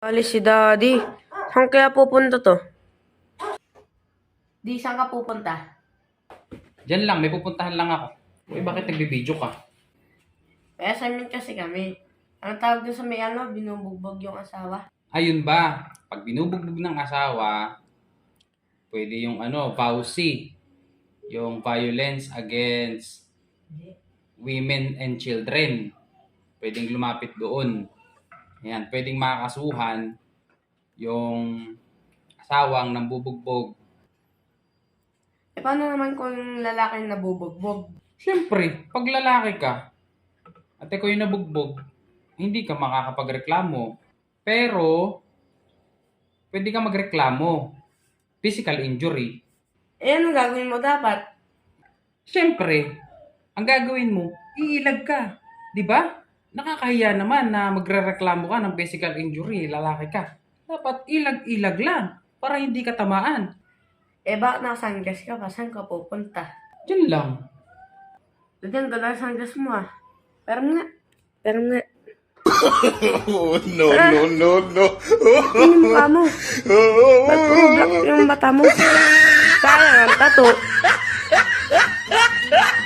Alis si Daddy. Saan kaya pupunta to? Di, saan ka pupunta? Diyan lang, may pupuntahan lang ako. Uy, bakit nagbibideo ka? May assignment kasi kami. Ang tawag doon sa may binubugbog yung asawa. Ayun ba, pag binubugbog ng asawa, pwede yung VAUSI, yung Violence Against Women and Children. Pwedeng lumapit doon. Ayan, pwedeng makakasuhan yung asawang nambubugbog. E paano naman kung lalaki na nabubugbog? Siyempre, pag lalaki ka, at ikaw yung nabugbog, hindi ka makakapagreklamo. Pero, pwede ka magreklamo. Physical injury. Eh, anong gagawin mo dapat? Siyempre, ang gagawin mo, iilag ka. Di ba? Nakakahiya naman na magrereklamo ka ng physical injury, lalaki ka. Dapat ilag-ilag lang para hindi ka tamaan. Eh, bakit nakasanggas ka pa? Saan ka pupunta? Diyan lang. Diyan, ganda ang sanggas mo ah. Pero nga. Oh, no, no, no, no. Ano yung mukha mo? Ba't puro black yung mata mo? Sayang ang tato.